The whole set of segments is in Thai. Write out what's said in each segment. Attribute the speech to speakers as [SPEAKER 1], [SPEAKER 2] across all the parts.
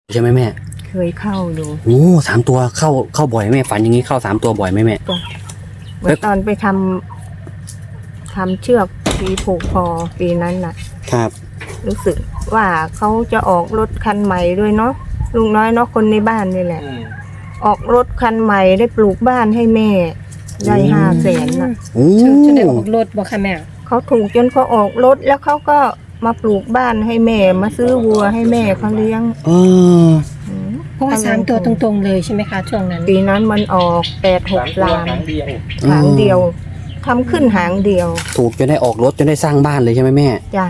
[SPEAKER 1] ใช่ไหมแม่
[SPEAKER 2] เคยเข้าดู
[SPEAKER 1] โอ้3 ตัวเข้าบ่อยแม่ฝันอย่างนี้เข้า3 ตัวบ่อยไหมแม่
[SPEAKER 2] ก็เมื่อตอนไปทำเชือกปีผูกคอปีนั้นน่ะ
[SPEAKER 1] ครับ
[SPEAKER 2] รู้สึกว่าเขาจะออกรถคันใหม่ด้วยเนาะลุงน้อยเนาะคนในบ้านนี่แหละออกรถคันใหม่ได้ปลูกบ้านให้แม่ได้500,000น่ะ
[SPEAKER 3] จะได้ออกรถบ่ค่ะแม่
[SPEAKER 2] เขาถูกจนเขาออกรถแล้วเขาก็มาปลูกบ้านให้แม่มาซื้อวัวให้แม่เขาเลี้ยง
[SPEAKER 3] เพราะว่า3 ตัวตรงๆเลยใช่ไหมคะช่วงนั้น
[SPEAKER 2] ปีนั้นมันออก8-6 ล้านหางเดียวทำขึ้นหางเดียว
[SPEAKER 1] ถูกจนได้ออกรถจนได้สร้างบ้านเลยใช่ไหมแม่
[SPEAKER 2] จ้ะ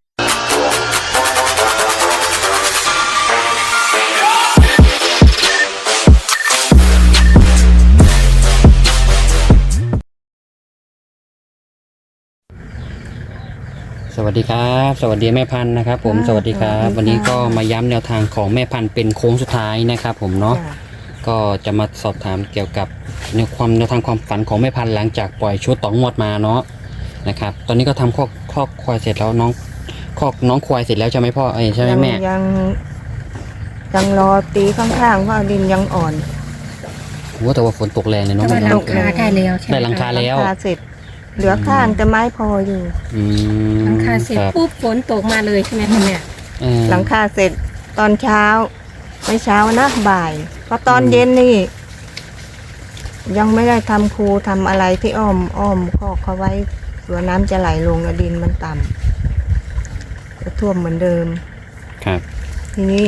[SPEAKER 1] สวัสดีครับสวัสดีแม่พันธุ์นะครับผมสวัสดีครับวันนี้ก็มาย้ำแนวทางของแม่พันธุ์เป็นโค้งสุดท้ายนะครับผมเนาะก็จะมาสอบถามเกี่ยวกับแนวทางความฝันของแม่พันธุ์หลังจากปล่อยชุด2 งวดมาเนาะนะครับตอนนี้ก็ทำคอกควายเสร็จแล้วน้องควายเสร็จแล้วใช่ไหมพ่อใช่ไหมแม่
[SPEAKER 2] ยังรอตีข้างๆเพราะดินยังอ่อน
[SPEAKER 1] โอ้แต่ว่าฝนตกแรงเลยเนาะ
[SPEAKER 3] แต่ว่าหลังคาได้แล้วใช่ไหม
[SPEAKER 1] ได้หลังคาแล้ว
[SPEAKER 2] เสร็จเหลือข้างแต่ไม้พออยู่
[SPEAKER 3] หลังคาเสร็จปุ๊บฝนตกมาเลยใช่ไหมคะแม่
[SPEAKER 2] หลังคาเสร็จตอนเช้าไม่เช้านะบ่ายเพราะตอนเย็นนี่ยังไม่ได้ทำคูทำอะไรที่อ้อมคอกเขาไว้ตัวน้ำจะไหลลงดินมันต่ำจะท่วมเหมือนเดิม
[SPEAKER 1] ครับ
[SPEAKER 2] ทีนี้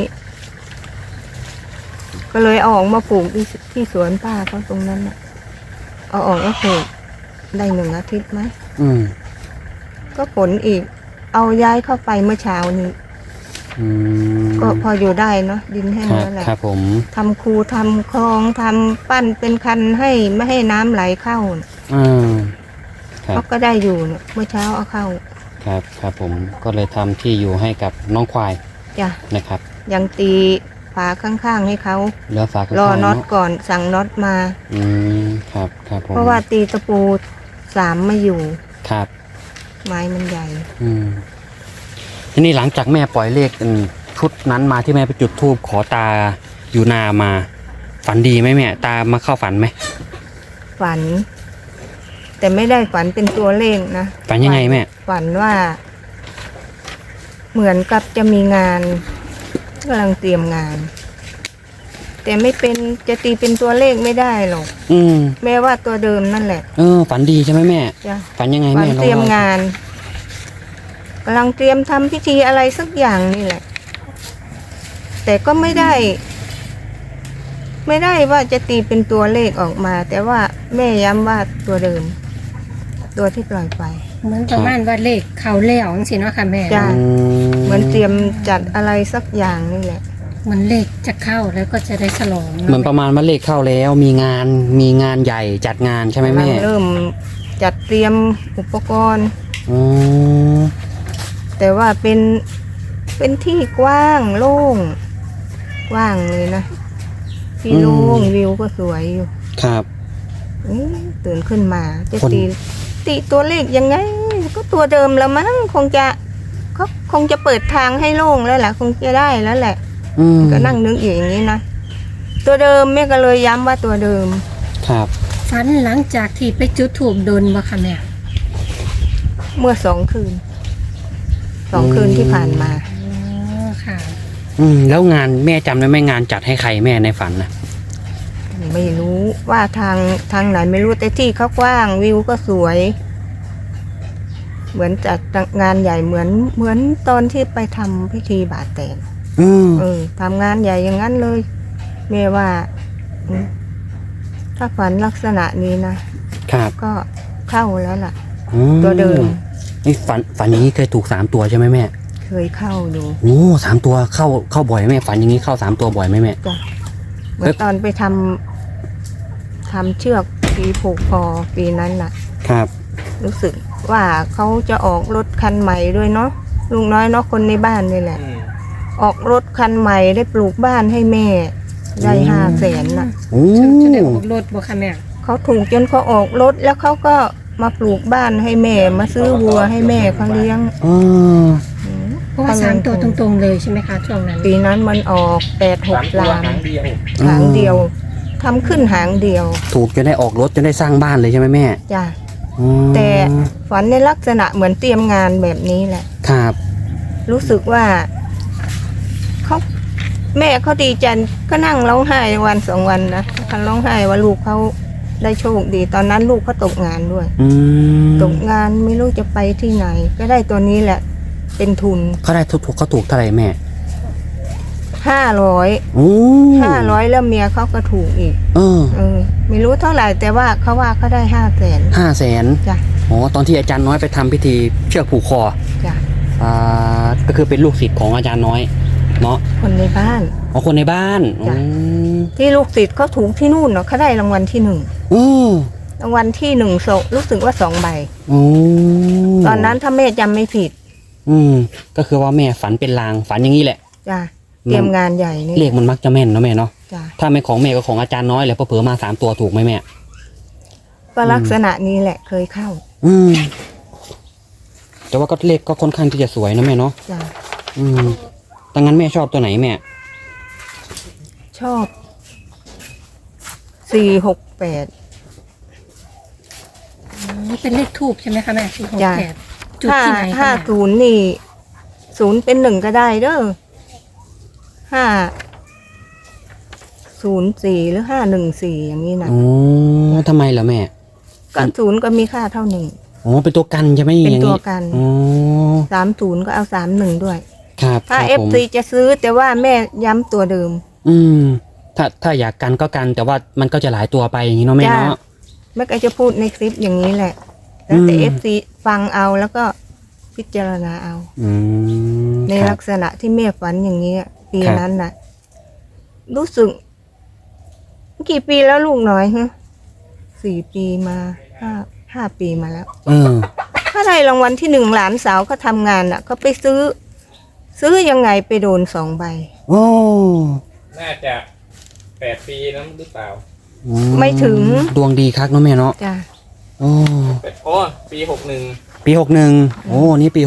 [SPEAKER 2] ก็เลยเอาออกมาปลูกที่สวนป้าเขาตรงนั้นน่ะเอาออกแล้วปลูกได้1 อาทิตย์ไหมก็ผลอีกเอาย้ายเข้าไปเมื่อเช้านี้ก็พออยู่ได้เนาะดินแห้งแล้วแหละ
[SPEAKER 1] ครับผม
[SPEAKER 2] ทำคูทำคลองทำปั้นเป็นคันให้ไม่ให้น้ำไหลเข้าเขาก็ได้อยู่เมื่อเช้าเอาเข้า
[SPEAKER 1] ครับผมก็เลยทำที่อยู่ให้กับน้องควาย
[SPEAKER 2] จ้ะ
[SPEAKER 1] นะครับ
[SPEAKER 2] ยังตีฝาข้างๆให้เขา
[SPEAKER 1] เหลือฝาข้างๆ
[SPEAKER 2] รอน็อตก่อนสั่งน็อตมา
[SPEAKER 1] ครับผม
[SPEAKER 2] เพราะว่าตีตะปู3ไม่อยู่
[SPEAKER 1] ครับ
[SPEAKER 2] ไม้มันใหญ่
[SPEAKER 1] ทีนี้หลังจากแม่ปล่อยเลขชุดนั้นมาที่แม่ไปจุดธูปขอตาอยู่นามาฝันดีไหมแม่ตามาเข้าฝันไหม
[SPEAKER 2] ฝันแต่ไม่ได้ฝันเป็นตัวเลขนะ
[SPEAKER 1] ฝันยังไงแม่
[SPEAKER 2] ฝันว่าเหมือนกับจะมีงานกำลังเตรียมงานแต่ไม่เป็นจะตีเป็นตัวเลขไม่ได้หรอกแม้ว่าตัวเดิมนั่นแหละ
[SPEAKER 1] ฝันดีใช่ไหมแม่ฝันยังไงแม่
[SPEAKER 2] ฝันเตรียมงานกำลังเตรียมทำพิธีอะไรสักอย่างนี่แหละแต่ก็ไม่ได้ว่าจะตีเป็นตัวเลขออกมาแต่ว่าแม่ย้ำว่าตัวเดิมตัวที่ปล่อยไป
[SPEAKER 3] เหมือนประมาณว่าเลขเขาแล้วจังซี่เนาะค่ะแม่
[SPEAKER 2] จ้ะเหมือนเตรียมจัดอะไรสักอย่างนี่แหละ
[SPEAKER 3] เหมือนเลขจะเข้าแล้วก็จะได้ฉลอง
[SPEAKER 1] เหมือนประมาณว่าเลขเข้าแล้วมีงานใหญ่จัดงานใช่ไหมแม่
[SPEAKER 2] เริ่มจัดเตรียมอุปกรณ์แต่ว่าเป็นที่กว้างโล่งกว้างเลยนะที่โล่งวิวก็สวยอยู่
[SPEAKER 1] ครับ
[SPEAKER 2] ตื่นขึ้นมาจะตีตัวเลขยังไงก็ตัวเดิมแล้วมั้งคงจะเปิดทางให้โล่งแล้วแหละคงจะได้แล้วแหละก็นั่งนึกอย่างนี้นะตัวเดิมแม่ก็เลยย้ำว่าตัวเดิม
[SPEAKER 1] ครับ
[SPEAKER 3] ฝันหลังจากที่ไปจุดธูปโดนบ่ค่ะแม่
[SPEAKER 2] เมื่อ2 คืนที่ผ่านมา
[SPEAKER 3] ค่ะ
[SPEAKER 1] แล้วงานแม่จำได้ไหมงานจัดให้ใครแม่ในฝันนะ
[SPEAKER 2] ไม่รู้ว่าทางไหนไม่รู้แต่ที่เขากว้างวิวก็สวยเหมือนจัดงานใหญ่เหมือนตอนที่ไปทำพิธีบาตรแตนทำงานใหญ่อย่างนั้นเลยแม่ว่าถ้าฝันลักษณะนี้นะครับก็เข้าแล้วล่ะตัวเดิม
[SPEAKER 1] นี่ฝันอย่างนี้เคยถูก3 ตัวใช่ไหมแม่
[SPEAKER 2] เคยเข้าดู
[SPEAKER 1] โอ้3 ตัวเข้าบ่อยไหมฝันอย่างนี้เข้า3 ตัวบ่อยไหมแม่
[SPEAKER 2] จ้ะเมื่อตอนไปทำเชือกปีผูกคอปีนั้นน่ะ
[SPEAKER 1] ครับ
[SPEAKER 2] รู้สึกว่าเขาจะออกรถคันใหม่ด้วยเนาะลุงน้อยเนาะคนในบ้านนี่แหละออกรถคันใหม่ได้ปลูกบ้านให้แม่ได้500,000น่ะ
[SPEAKER 3] จะได้ออกรถบ่ค่ะแม่
[SPEAKER 2] เขาถูกจนเขาออกรถแล้วเขาก็มาปลูกบ้านให้แม่มาซื้อวัวให้แม่เขาเลี้ยง
[SPEAKER 3] เพราะว่าสามตัวตรงๆเลยใช่ไหมคะช่วงนั้น
[SPEAKER 2] ปีนั้นมันออก86 ล้าน
[SPEAKER 4] หางเดียว
[SPEAKER 2] หางเดียวทำขึ้นหางเดียว
[SPEAKER 1] ถูกจนได้ออกรถจนได้สร้างบ้านเลยใช่ไหมแม่
[SPEAKER 2] จ้ะ
[SPEAKER 1] อืม
[SPEAKER 2] แต่ฝันในลักษณะเหมือนเตรียมงานแบบนี้แหละ
[SPEAKER 1] ครับ
[SPEAKER 2] รู้สึกว่าเขาแม่เขาดีใจก็นั่งร้องไห้วันสองวันนะเขาร้องไห้ว่าลูกเขาได้โชคดี ตอนนั้นลูกเขาตกงานด้วย
[SPEAKER 1] อืม
[SPEAKER 2] ตกงานไม่รู้จะไปที่ไหน ก็ได้ตัวนี้แหละ เป็นทุน
[SPEAKER 1] เขาได้ถูกเขาถูกเท่าไหร่แม่
[SPEAKER 2] 500
[SPEAKER 1] โอ้
[SPEAKER 2] 500แล้วเมียเขาก็ถูกอีก
[SPEAKER 1] เออ
[SPEAKER 2] ไม่รู้เท่าไหร่แต่ว่าเขาได้500,000
[SPEAKER 1] 500,000
[SPEAKER 2] จ้ะ
[SPEAKER 1] อ๋อตอนที่อาจารย์น้อยไปทำพิธีเชือกผูกคอ
[SPEAKER 2] จ้ะ
[SPEAKER 1] ก็คือเป็นลูกศิษย์ของอาจารย์น้อยเนาะ
[SPEAKER 2] คนในบ้าน
[SPEAKER 1] อ๋อคนในบ้าน
[SPEAKER 2] จ้ะ
[SPEAKER 1] อืม
[SPEAKER 2] ที่ลูกศิษย์เขาถูกที่นู่นเนาะเขาได้รางวัลที่
[SPEAKER 1] อืม
[SPEAKER 2] 1รางวัลที่1รู้สึกว่า2 ใบ
[SPEAKER 1] อืม
[SPEAKER 2] ตอนนั้นถ้าแม่จำไม่ผิด
[SPEAKER 1] ก็คือว่าแม่ฝันเป็นลางฝันอย่างนี้แหละ
[SPEAKER 2] จ้ะเตรียมงานใหญ่นี่
[SPEAKER 1] เลขมันมักจะแม่นเนาะแม่เนาะ
[SPEAKER 2] จ้ะ
[SPEAKER 1] ถ้าไม่ของแม่ก็ของอาจารย์น้อยแหละเพอเผลอๆมา3 ตัวถูกไหมแม่
[SPEAKER 2] ก็ลักษณะนี้แหละเคยเข้า
[SPEAKER 1] แต่ว่าก็เลขก็ค่อนข้างที่จะสวยนะแม่เนาะ
[SPEAKER 2] จ้ะ
[SPEAKER 1] ดังนั้นแม่ชอบตัวไหนแม่
[SPEAKER 2] ชอบ468
[SPEAKER 3] เป็นเลขทูบใช่ไหมคะแม่468
[SPEAKER 2] จ้ะ
[SPEAKER 3] จุดที่ไหนคะแม่
[SPEAKER 2] 50นี่0เป็น1ก็ได้เด้อ504หรือ514อย่างนี้นะ
[SPEAKER 1] อ๋อทำไมเหรอแม่
[SPEAKER 2] ก็0ก็มีค่าเท่า1
[SPEAKER 1] อ๋อเป็นตัวกันใช่ไหม
[SPEAKER 2] เป็น
[SPEAKER 1] อย่าง
[SPEAKER 2] ตัวกัน
[SPEAKER 1] อ๋อ
[SPEAKER 2] 30ก็เอา31ด้วย
[SPEAKER 1] ครับ
[SPEAKER 2] ถ้า
[SPEAKER 1] ครับผม
[SPEAKER 2] FC จะซื้อแต่ว่าแม่ย้ำตัวเดิม
[SPEAKER 1] ถ้าอยากกันก็กันแต่ว่ามันก็จะหลายตัวไปอย่างนี้เนาะแม่
[SPEAKER 2] จ้ะ
[SPEAKER 1] เนาะ
[SPEAKER 2] แม่ก็จะพูดในคลิปอย่างนี้แหละ แล้วแต่ FC ฟังเอาแล้วก็พิจารณาเอา ใน
[SPEAKER 1] ครั
[SPEAKER 2] ลั
[SPEAKER 1] บ
[SPEAKER 2] กษณะที่แม่ฝันอย่างนี้อะปี
[SPEAKER 1] ครับ
[SPEAKER 2] นั้นน่ะ รู้สึก กี่ปีแล้วลูกน้อยฮะ4 ปีมา5 ปีมาแล้ว ถ้าได้รางวัลที่1หลานสาวเขาทำงานน่ะเขาไปซื้อยังไงไปโดน2 ใบ
[SPEAKER 1] โอ้
[SPEAKER 4] น่าจะ8 ปีนั้นหรือเปล่า
[SPEAKER 2] ไม่ถึง
[SPEAKER 1] ดวงดีคักเนาะแม่เนาะ
[SPEAKER 2] จ้ะ
[SPEAKER 1] โอ้
[SPEAKER 4] โอ้ปี61
[SPEAKER 1] ปี61โอ้นี่ปี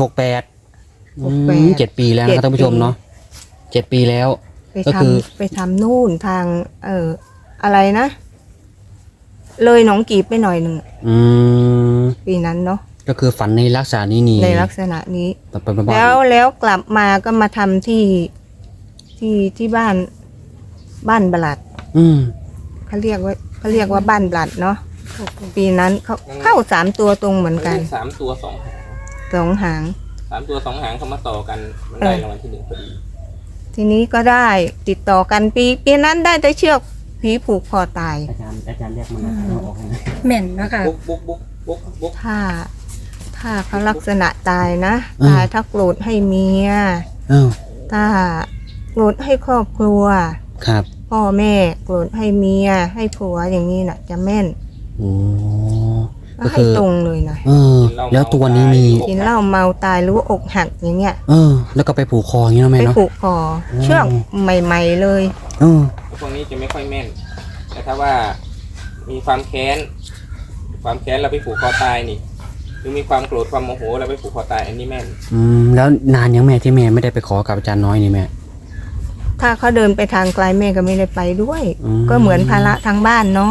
[SPEAKER 1] 68 7 ปีแล้วนะครับท่านผู้ชมเนาะ7 ปีแล้ว
[SPEAKER 2] ไป
[SPEAKER 1] ก็
[SPEAKER 2] ท
[SPEAKER 1] คือ
[SPEAKER 2] ำไปทำนู่นทาง อะไรนะ เลยหนองกีบไปหน่อยหนึ่ง
[SPEAKER 1] อืม
[SPEAKER 2] ปีนั้นเนาะ
[SPEAKER 1] ก็คือฝันในลักษณะนี้นี่
[SPEAKER 2] ในลักษณะนี้
[SPEAKER 1] แบบ
[SPEAKER 2] แล้วกลับมาก็มาทำที่บ้านบลัด เขาเรียกว่าบ้านบลัดเนาะปีนั้นเขาเข้า3 ตัวตรงเหมือนกัน
[SPEAKER 4] 3 ตัว 2 หาง
[SPEAKER 2] 2 หาง
[SPEAKER 4] 3 ตัว 2 หางเขามาต่อกันมันได้รางวัลที่1พอดี
[SPEAKER 2] ทีนี้ก็ได้ติดต่อกันปีนั้นได้แต่เชือกผีผูกคอตาย
[SPEAKER 1] อาจารย์เรียกมันเอาออกให้นะ
[SPEAKER 3] แม่นนะคะ
[SPEAKER 4] บุ๊ก
[SPEAKER 2] ถ้าเขาลักษณะตายนะตายถ้าโกรธให้เมีย ถ้าโกรธให้ครอบครัว
[SPEAKER 1] ครับ
[SPEAKER 2] พ่อแม่โกรธให้เมียให้ผัวอย่างนี้น่ะ จะแม่น
[SPEAKER 1] โอ้
[SPEAKER 2] ก็ให้ตรงเลยนะ
[SPEAKER 1] แล้วตัวนี้มี
[SPEAKER 2] กินเหล้าเมาตายหรือว่าอกหักอย่างเงี้ย
[SPEAKER 1] แล้วก็ไปผูกคออย่างนี้เนาะแม่
[SPEAKER 2] ไป
[SPEAKER 1] เนาะ
[SPEAKER 2] ผูกคอเชือกใหม่ๆเลย
[SPEAKER 4] พวกนี้จะไม่ค่อยแม่น แต่ถ้าว่ามีความแค้นเราไปผูกคอตายนี่หรือมีความโกรธความโมโหเราไปผูกคอตายอันนี้แม่น
[SPEAKER 1] แล้วนานยังแม่ที่แม่ไม่ได้ไปขอกับอาจารย์น้อยนี่แม่
[SPEAKER 2] ถ้าเขาเดินไปทางไกลแม่ก็ไม่ได้ไปด้วย
[SPEAKER 1] อืม
[SPEAKER 2] ก็เหมือนภาระทางบ้านเนาะ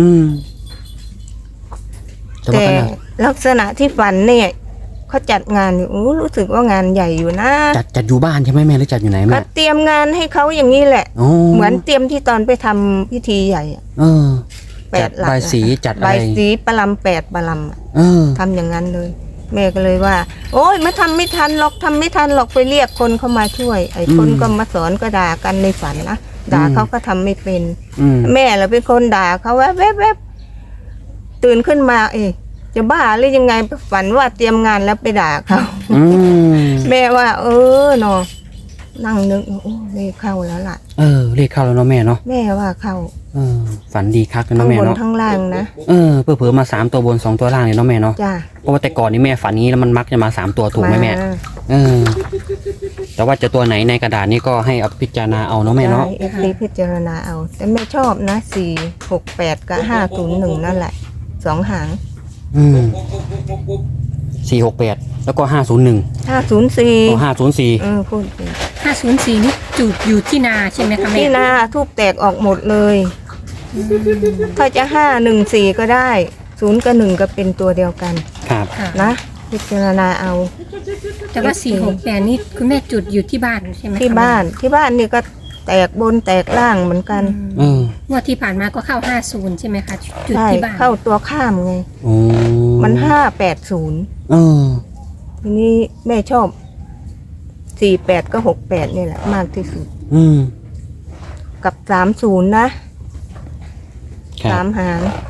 [SPEAKER 1] แต่ว่า
[SPEAKER 2] แต่
[SPEAKER 1] ก็น่ะ
[SPEAKER 2] ลักษณะที่ฝันเนี่ยเขาจัดงานอยู่รู้สึกว่างานใหญ่อยู่นะ
[SPEAKER 1] จัดอยู่บ้านใช่ไหมแม่หรือจัดอยู่ไหน
[SPEAKER 2] ก็
[SPEAKER 1] แม่
[SPEAKER 2] เตรียมงานให้เขาอย่างนี้แหละ เหมือนเตรียมที่ตอนไปทำพิธีใหญ่อะ
[SPEAKER 1] จัดบายสีจัดอะไร
[SPEAKER 2] ใบายสีประลำ8 ประลำอะ ทำอย่างนั้นเลย แม่ก็เลยว่า โอ๊ยมาทำไม่ทันหรอกไปเรียกคนเข้ามาช่วย ไอ้คนก็มาสอนก็ด่ากันในฝันนะด่าเขาก็ทำไม่เป็น แม่เราเป็นคนด่าเขาแวบตื่นขึ้นมาจะบ้าหรือยังไงฝันว่าเตรียมงานแล้วไปด่าเขาแม่ว่า เนาะนั่งนึกโอ้เลขเข้าแล้วล่ะ
[SPEAKER 1] เลขเข้าแล้วเนาะแม่เนาะ
[SPEAKER 2] แม่ว่าเข้า
[SPEAKER 1] ฝันดีคักเลย
[SPEAKER 2] ทั้
[SPEAKER 1] เนาะ
[SPEAKER 2] ง
[SPEAKER 1] แม่
[SPEAKER 2] บน
[SPEAKER 1] เนาะ
[SPEAKER 2] ทั้งล่างนะ
[SPEAKER 1] เผื่อๆมา3 ตัวบน2 ตัวล่างเลยเนาะแม่เนาะ
[SPEAKER 2] จ้า
[SPEAKER 1] เพราะว่าแต่ก่อนนี้แม่ฝันนี้แล้วมันมักจะมา3 ตัวถูกไหมแม่แต่ว่าจะตัวไหนในกระดาษนี้ก็ให้เอาพิจารณาเอาเนาะแม่เนาะ
[SPEAKER 2] เอฟซีพิจารณาเอา แต่แม่ชอบนะ468กับ501นั่นแหละ2 หาง
[SPEAKER 1] 468แล้วก็501
[SPEAKER 2] 504
[SPEAKER 1] อ๋อ504
[SPEAKER 2] พูดผิด
[SPEAKER 3] 504นี่จุดอยู่ที่นาใช่ไหมคะแม่
[SPEAKER 2] ที่นาทูบแตกออกหมดเลย ถ้าจะ514ก็ได้0กับ1ก็เป็นตัวเดียวกัน
[SPEAKER 1] ครับ
[SPEAKER 3] ค่ะ
[SPEAKER 2] นะพิจารณาเอา
[SPEAKER 3] แต่ว่า468นี่คุณแม่จุดอยู่ที่บ้านใช่ไหมคะ
[SPEAKER 2] ที่บ้านนี่ก็แตกบนแตกล่างเหมือนกัน
[SPEAKER 1] เออง
[SPEAKER 3] วดที่ผ่านมาก็เข้า50ใช่ไหมคะจุด
[SPEAKER 2] ใช่
[SPEAKER 3] ที่บ้าน
[SPEAKER 2] เข้าตัวข้ามไง
[SPEAKER 1] โอ้
[SPEAKER 2] มัน580
[SPEAKER 1] เออ
[SPEAKER 2] ทีนี้แม่ชอบ48ก็68นี่แหละมากที่สุด
[SPEAKER 1] อืม
[SPEAKER 2] กับ30นะสามหาง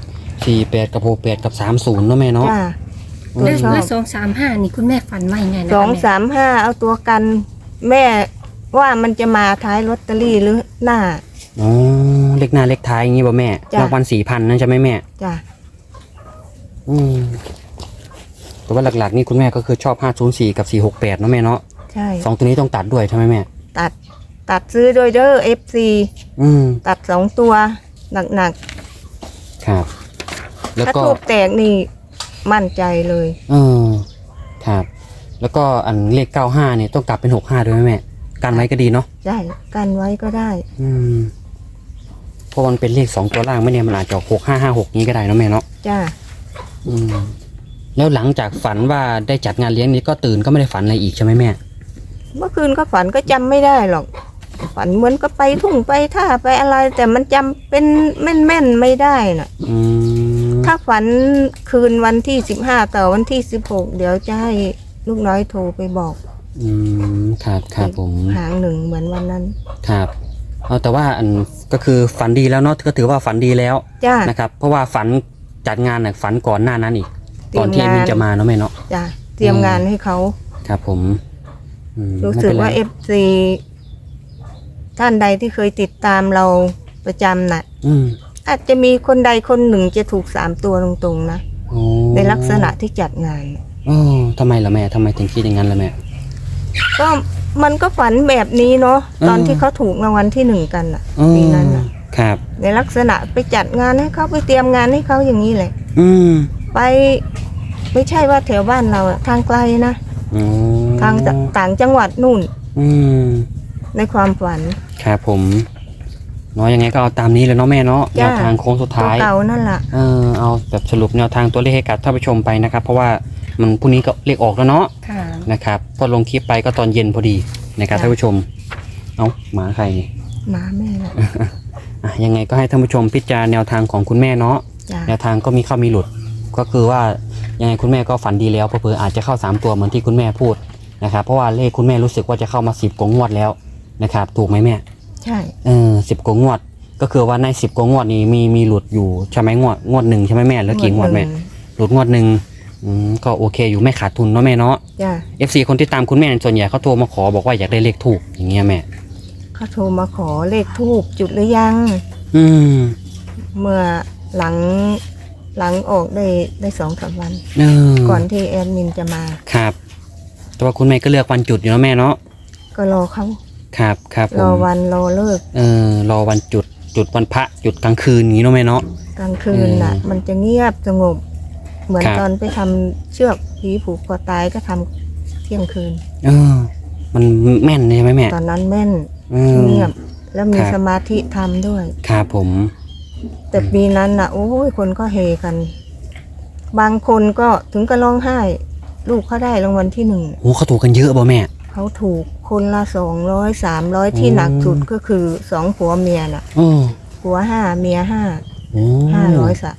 [SPEAKER 1] 48กับ68กับ30เนาะแม่เนาะ
[SPEAKER 2] จ้า
[SPEAKER 3] แล้ว
[SPEAKER 2] ชอบ
[SPEAKER 3] แล้ว235นี่คุณแม่ฝันว่ายังไงนะ
[SPEAKER 2] ส
[SPEAKER 3] คะ
[SPEAKER 2] อง
[SPEAKER 3] แม่
[SPEAKER 2] สามห้าเอาตัวกัน แม่ว่ามันจะมาท้ายลอตเตอรี่หรือหน้า
[SPEAKER 1] อ๋อเลขหน้าเลขท้ายอย่างงี้ป่ะแม่
[SPEAKER 2] จ้ะ
[SPEAKER 1] รางวัล4,000นั่นใช่ไหมแม่
[SPEAKER 2] จ้ะ
[SPEAKER 1] อืมแต่ว่าหลักๆนี่คุณแม่ก็คือชอบ504กับ468เนาะแม่เนาะ
[SPEAKER 2] ใช่
[SPEAKER 1] สองตัวนี้ต้องตัดด้วยใช่ไหมแม่
[SPEAKER 2] ตัดซื้อโดยเด้อ FC
[SPEAKER 1] อืม
[SPEAKER 2] ตัด2ตัวหนัก
[SPEAKER 1] ครับ แล้ว
[SPEAKER 2] ๆถ้า
[SPEAKER 1] ก็
[SPEAKER 2] ทูบแตกนี่มั่นใจเลย
[SPEAKER 1] เออครับ แล้วก็อันเลข95เนี่ยต้องกลับเป็น65ด้วยไหมแม่กันไว้ก็ดีเนาะ
[SPEAKER 2] ใช่กันไว้ก็ได้
[SPEAKER 1] อืมเพราะมันเป็นเลข2ตัวล่างไม่เนี่ยมันอาจจะ6556นี้ก็ได้เนาะแม่เนาะ
[SPEAKER 2] จ้า
[SPEAKER 1] อืมแล้วหลังจากฝันว่าได้จัดงานเลี้ยงนี้ก็ตื่นก็ไม่ได้ฝันอะไรอีกใช่ไหมแม่
[SPEAKER 2] เมื่อคืนก็ฝันก็จำไม่ได้หรอก ฝันเหมือนก็ไปทุ่งไปท่าไปอะไร แต่มันจำเป็นแม่นๆไม่ได้น่ะ
[SPEAKER 1] อืม
[SPEAKER 2] ถ้าฝันคืนวันที่15ต่อวันที่16เดี๋ยวจะให้ลูกน้อยโทรไปบอก
[SPEAKER 1] อืมครับครับผม
[SPEAKER 2] หางหนึ่งเหมือนวันนั้น
[SPEAKER 1] ครับเอาแต่ว่าอันก็คือฝันดีแล้วเนาะก็ถือว่าฝันดีแล้ว
[SPEAKER 2] จ้า
[SPEAKER 1] นะครับ เพราะว่าฝันจัดงานน่ะฝันก่อนหน้านั้นอีก
[SPEAKER 2] เตรี
[SPEAKER 1] ก่
[SPEAKER 2] ย
[SPEAKER 1] อ
[SPEAKER 2] ม
[SPEAKER 1] นที่
[SPEAKER 2] งาน
[SPEAKER 1] มินจะมาเนาะแม่เนาะ
[SPEAKER 2] จ้าเตรียมงานให้เขา
[SPEAKER 1] ครับผมอืม
[SPEAKER 2] รู้
[SPEAKER 1] ไม่
[SPEAKER 2] สึก
[SPEAKER 1] เป็นไร
[SPEAKER 2] ว่า FC ท่านใดที่เคยติดตามเราประจำน่ะ
[SPEAKER 1] อืม
[SPEAKER 2] อาจจะมีคนใดคนหนึ่งจะถูก3ตัวตรงๆนะ
[SPEAKER 1] โอ้
[SPEAKER 2] ในลักษณะที่จัดงาน
[SPEAKER 1] โอ้ทำไมล่ะแม่ทำไมถึงคิดอย่างนั้นล่ะแม่
[SPEAKER 2] ก็มันก็ฝันแบบนี้เนาะตอนที่เขาถูกรางวัลที่1กันน่ะ
[SPEAKER 1] อืม
[SPEAKER 2] ปีนั้นน่ะ
[SPEAKER 1] ครับ
[SPEAKER 2] ในลักษณะไปจัดงานให้เขาไปเตรียมงานให้เขาอย่างนี้แหละ
[SPEAKER 1] อืม
[SPEAKER 2] ไปไม่ใช่ว่าแถวบ้านเราอะทางไกลนะ
[SPEAKER 1] อ๋อ
[SPEAKER 2] ทางต่างจังหวัดนู่น
[SPEAKER 1] อืม
[SPEAKER 2] ในความฝัน
[SPEAKER 1] ครับผมเนาะยังไงก็เอาตามนี้เลยเนาะแม่เนาะแน
[SPEAKER 2] จ้ะ
[SPEAKER 1] วทางโค้งสุด
[SPEAKER 2] ตัว
[SPEAKER 1] ท้าย
[SPEAKER 2] เก่านั่นแหละ
[SPEAKER 1] เอาแบบสรุปแนวทางตัวเลขให้กับท่านผู้ชมไปนะครับ เพราะว่ามันพรุ่งนี้ก็เลขออกแล้วเนาะ
[SPEAKER 3] ค่ะ
[SPEAKER 1] นะครับพอลงคลิปไปก็ตอนเย็นพอดีนะครับท่านผู้ชม เอาหมาใครนี่
[SPEAKER 2] หมาแม่ละ
[SPEAKER 1] อ่ะยังไงก็ให้ท่านผู้ชมพิจารณาแนวทางของคุณแม่เนาะ
[SPEAKER 2] จ้า
[SPEAKER 1] แนวทางก็มีเข้ามีหลุด ก็คือว่ายังไงคุณแม่ก็ฝันดีแล้วเผื่อๆอาจจะเข้า3ตัวเหมือนที่คุณแม่พูดนะครับเพราะว่าเลขคุณแม่รู้สึกว่าจะเข้ามา10กว่างวดแล้วนะครับถูกไหมแม่
[SPEAKER 2] ใช่
[SPEAKER 1] 10กว่างวด ก็คือว่าใน10กว่างวดนี้มีหลุดอยู่ใช่ไหมงวดหนึ่งใช่ไหมแม่แล้วกี่งวดแม่หลุดงวดหนึ่งก็โอเคอยู่ไม่ขาดทุนเนาะแม่เนาะ
[SPEAKER 2] จ้า
[SPEAKER 1] FC คนที่ตามคุณแม่ส่วนใหญ่เขาโทรมาขอบอกว่าอยากได้เลขถูกอย่างเงี้ยแม่
[SPEAKER 2] เขาโทรมาขอเลขทูบจุดหรือยัง
[SPEAKER 1] อืม
[SPEAKER 2] เมื่อหลังออกได้2-3 วัน
[SPEAKER 1] เออ
[SPEAKER 2] ก่อนที่แอดมินจะมา
[SPEAKER 1] ครับ แต่ว่าคุณแม่ก็เลือกวันจุดอยู่เนาะแม่เนาะ
[SPEAKER 2] ก็รอเขา
[SPEAKER 1] ครับครับผม
[SPEAKER 2] รอวันรอเลิก
[SPEAKER 1] รอวันจุดวันพระจุดกลางคืนอย่างนี้เนาะแม่เนาะ
[SPEAKER 2] กลางคืนน่ะ มันจะเงียบสงบ เหมือน
[SPEAKER 1] ครับ
[SPEAKER 2] ตอนไปทำเชือกผีผูกคอตายก็ทำเที่ยงคืน
[SPEAKER 1] มันแม่นใช่ไหมแม่
[SPEAKER 2] ตอนนั้นแม่น
[SPEAKER 1] อืม
[SPEAKER 2] เงียบ แล้วมี
[SPEAKER 1] ครับ
[SPEAKER 2] สมาธิทำด้วย
[SPEAKER 1] ครับผม
[SPEAKER 2] แต่ปีนั้นน่ะ โอ้ยคนก็เฮกัน บางคนก็ถึงกับร้องไห้ ลูกเขาได้รางวัลที่1
[SPEAKER 1] โอ้เขาถูกกันเยอะป่ะแม่
[SPEAKER 2] เขาถูกคนละ200 300ที่หนักสุดก็คือ2ผัวเมียน่ะ
[SPEAKER 1] โอ้
[SPEAKER 2] ผัว5เมีย5
[SPEAKER 1] โอ้
[SPEAKER 2] 500สะ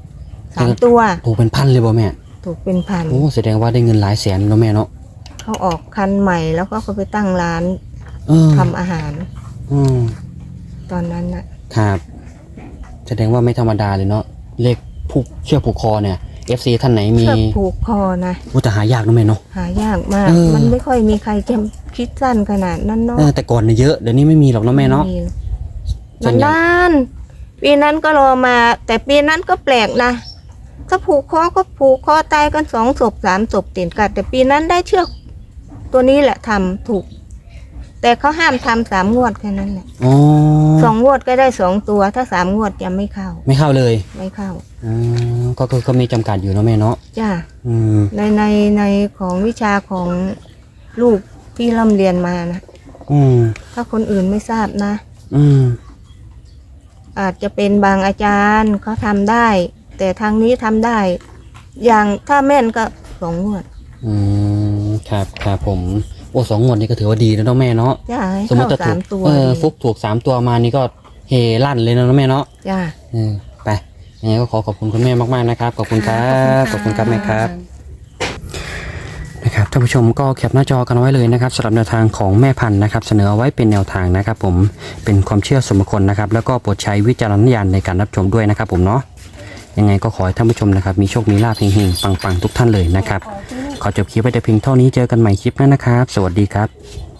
[SPEAKER 2] 3ตัว
[SPEAKER 1] ถูกเป็นพันเลยป่ะแม่
[SPEAKER 2] ถูกเป็นพัน
[SPEAKER 1] โอ้แสดงว่าได้เงินหลายแสนเนาะแม่เนาะ
[SPEAKER 2] เขาออกคันใหม่แล้วก็เขาไปตั้งร้าน
[SPEAKER 1] เออ
[SPEAKER 2] ทำอาหาร
[SPEAKER 1] อืม
[SPEAKER 2] ตอนนั้นน่ะ
[SPEAKER 1] ครับแสดงว่าไม่ธรรมดาเลยเนาะเลขเชือกผูกคอเนี่ย FC ท่านไหนมี
[SPEAKER 2] เชือกผูกคอนะ
[SPEAKER 1] แต่หายากเนาะแม่เนาะ
[SPEAKER 2] หายากมาก
[SPEAKER 1] เออ
[SPEAKER 2] มันไม่ค่อยมีใครจะคิดสั้นขนาดนั้นเนาะ
[SPEAKER 1] แต่ก่อนเนี่ยเยอะเดี๋ยวนี้ไม่มีหรอกเนาะแม่เนาะ ส่
[SPEAKER 2] มั
[SPEAKER 1] วน นใหญ่
[SPEAKER 2] นานปีนั้นก็รอมา แต่ปีนั้นก็แปลกนะถ้าผูกคอก็ผูกคอตายกัน2 ศพ 3 ศพติดกันแต่ปีนั้นได้เชือกตัวนี้แหละทำถูก แต่เขาห้ามทำ3 งวดแค่นั้นแหละ
[SPEAKER 1] อ๋อ
[SPEAKER 2] 2 งวดก็ได้ 2 ตัว ถ้า 3 งวดจะไม่เข้า
[SPEAKER 1] ไม่เข้าเลย
[SPEAKER 2] ไม่เข้า
[SPEAKER 1] ก็คือก็มีจำกัดอยู่เนาะแม่เนาะ
[SPEAKER 2] จ้า
[SPEAKER 1] อืม
[SPEAKER 2] ในของวิชาของลูกที่ร่ำเรียนมานะ
[SPEAKER 1] อืม
[SPEAKER 2] ถ้าคนอื่นไม่ทราบนะ
[SPEAKER 1] อืม
[SPEAKER 2] อาจจะเป็นบางอาจารย์เขาทำได้ แต่ทางนี้ทำได้ อย่างถ้าแม่นก็2 งวด
[SPEAKER 1] ครับผมโอ้2 งวดนี่ก็ถือว่าดีแล้วเนาะแม่เนาะ
[SPEAKER 2] จ้าให้
[SPEAKER 1] สมมติ
[SPEAKER 2] เข้า
[SPEAKER 1] จะถูก
[SPEAKER 2] 3 ตัว
[SPEAKER 1] ฟุกถูก3 ตัวมานี่ก็เฮลั่นเลยนะแม่เนาะ
[SPEAKER 2] จ้า
[SPEAKER 1] ไปยังไงก็ขอบคุณคุณแม่มากๆนะครับขอบคุณครับขอบคุณครับแม่ครับนะครับท่านผู้ชมก็แคปหน้าจอกันไว้เลยนะครับสำหรับแนวทางของแม่พันธุ์นะครับเสนอเอาไว้เป็นแนวทางนะครับผมเป็นความเชื่อส่วนบุคคลนะครับแล้วก็โปรดใช้วิจารณญาณในการรับชมด้วยนะครับผมเนาะยังไงก็ขอให้ท่านผู้ชมนะครับมีโชคมีลาภเฮงๆปังๆทุกท่านเลยนะครับขอจบคลิปไว้แต่เพียงเท่านี้เจอกันใหม่คลิปหน้านะครับสวัสดีครับ